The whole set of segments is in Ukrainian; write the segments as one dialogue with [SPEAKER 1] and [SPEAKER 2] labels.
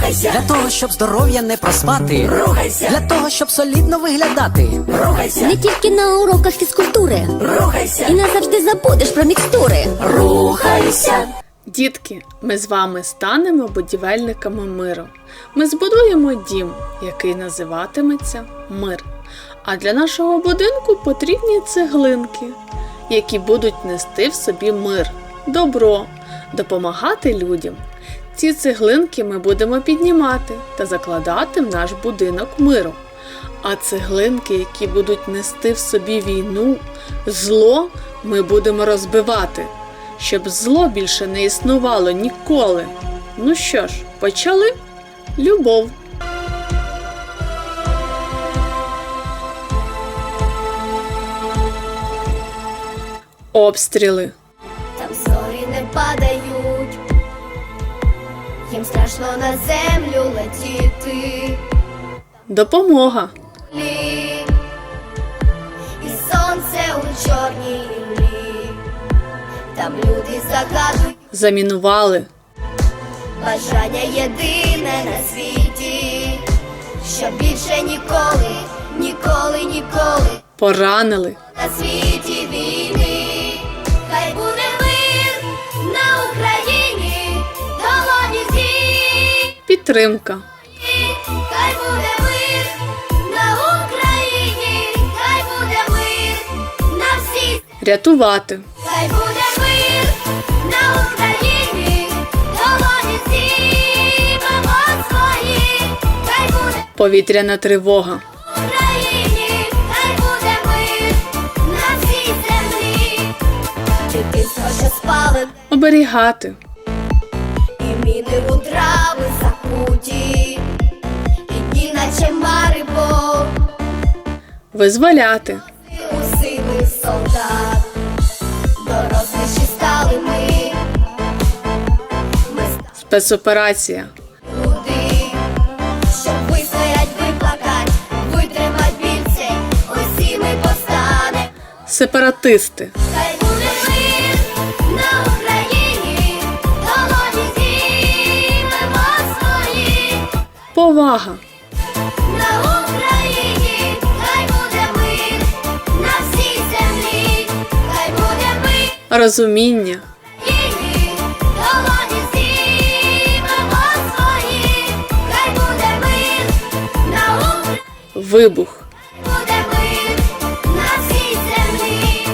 [SPEAKER 1] Рухайся. Для того, щоб здоров'я не проспати. Рухайся. Для того, щоб солідно виглядати. Рухайся.
[SPEAKER 2] Не тільки на уроках фізкультури.
[SPEAKER 1] Рухайся.
[SPEAKER 2] І назавжди забудеш про мікстури.
[SPEAKER 1] Рухайся.
[SPEAKER 3] Дітки, ми з вами станемо будівельниками миру. Ми збудуємо дім, який називатиметься «Мир». А для нашого будинку потрібні цеглинки, які будуть нести в собі мир, добро, допомагати людям. Ці цеглинки ми будемо піднімати та закладати в наш будинок миру. А цеглинки, які будуть нести в собі війну, зло, ми будемо розбивати, щоб зло більше не існувало ніколи. Ну що ж, почали? Любов. Обстріли.
[SPEAKER 4] Там зорі не падають, їм страшно на землю летіти.
[SPEAKER 3] Допомога.
[SPEAKER 4] І сонце у чорній імлі, там люди загадують,
[SPEAKER 3] Замінували.
[SPEAKER 4] бажання єдине на світі, щоб більше ніколи, ніколи, ніколи
[SPEAKER 3] Поранили.
[SPEAKER 4] на світі війни. Хай буде мир на Україні, долоні зі.
[SPEAKER 3] Підтримка.
[SPEAKER 4] Хай буде мир на Україні, хай буде мир на всій.
[SPEAKER 3] Рятувати.
[SPEAKER 4] Хай буде мир на Україні, долоні зіймемо свої. Хай буде
[SPEAKER 3] Повітряна тривога.
[SPEAKER 4] в Україні, хай буде мир на всій землі. Дитинство, що спали,
[SPEAKER 3] Оберігати.
[SPEAKER 4] і міни у трави закуті, і дні наче марибо.
[SPEAKER 3] Визволяти.
[SPEAKER 4] У сили солдат, доросліші стали ми. Ми
[SPEAKER 3] Спецоперація.
[SPEAKER 4] люди, щоб вистоять, виплакать, витримать більце, усі ми повстане.
[SPEAKER 3] Сепаратисти.
[SPEAKER 4] Хай буде мир на Україні, долоні зіймемо свої.
[SPEAKER 3] Повага.
[SPEAKER 4] На Україні, хай буде мир на всій землі, хай буде мир.
[SPEAKER 3] Розуміння.
[SPEAKER 4] Долоні зіймемо свої, хай буде мир на Україні,
[SPEAKER 3] Вибух.
[SPEAKER 4] буде мир на всій землі.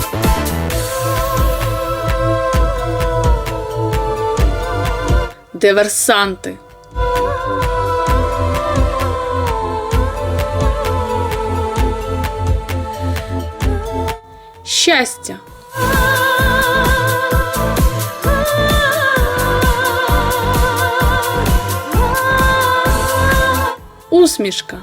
[SPEAKER 3] Диверсанти. Щастя. Усмішка.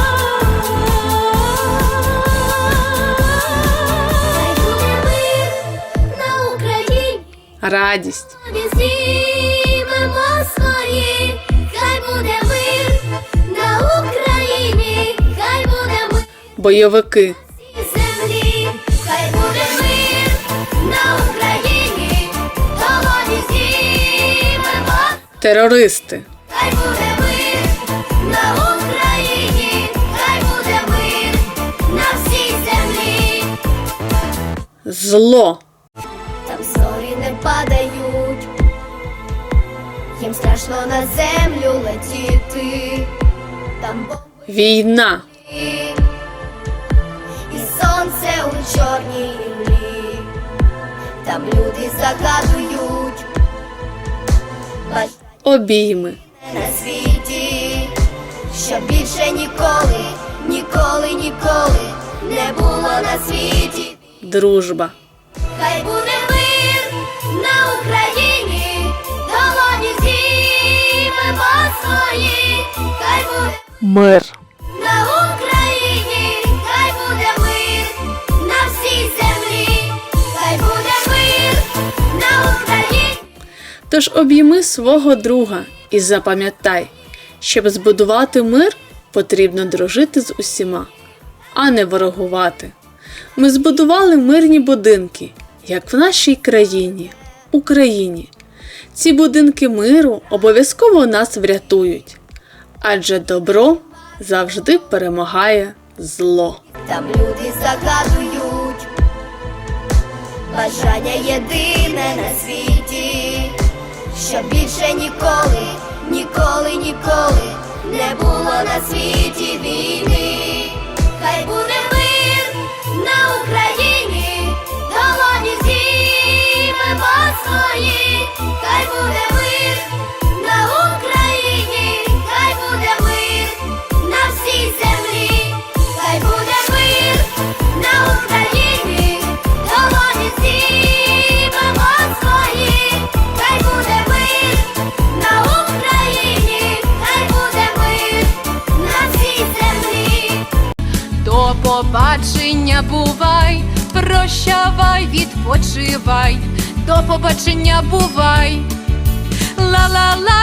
[SPEAKER 4] Хай буде мир на Україні,
[SPEAKER 3] Радість.
[SPEAKER 4] зіймемо свої, хай буде мир на Україні, хай буде мир.
[SPEAKER 3] Бойовики.
[SPEAKER 4] Землі, хай буде мир на Україні, долоні зіймемо.
[SPEAKER 3] Терористи.
[SPEAKER 4] Хай буде мир на Україні, хай буде мир на всій землі.
[SPEAKER 3] Зло.
[SPEAKER 4] Там зорі не падають, їм страшно на землю летіти. Там бомби
[SPEAKER 3] Війна.
[SPEAKER 4] і сонце у чорній імлі, там люди загадують, бажання
[SPEAKER 3] Обійми.
[SPEAKER 4] на світі, щоб більше ніколи, ніколи, ніколи не було на світі.
[SPEAKER 3] Дружба.
[SPEAKER 4] Хай буде мир на Україні, долоні зіймемо свої, хай буде
[SPEAKER 3] Мир.
[SPEAKER 4] на Україні, хай буде мир на всій землі, хай буде мир на Україні.
[SPEAKER 3] Тож обійми свого друга і запам'ятай, щоб збудувати мир, потрібно дружити з усіма, а не ворогувати. Ми збудували мирні будинки, як в нашій країні, Україні. Ці будинки миру обов'язково нас врятують, адже добро завжди перемагає зло.
[SPEAKER 4] Там люди загадують бажання єдине на світі, щоб більше ніколи, ніколи, ніколи не було на світі війни. Хай буде мир на Україні, долоні зіймемо свої. Хай буде мир на Україні, хай буде мир на всій землі. Хай буде мир на Україні, долоні зіймемо свої. Хай буде мир на Україні, хай буде мир на всій землі.
[SPEAKER 5] До побачення бувай, прощавай, відпочивай, до побачення бувай. Ла-ла-ла.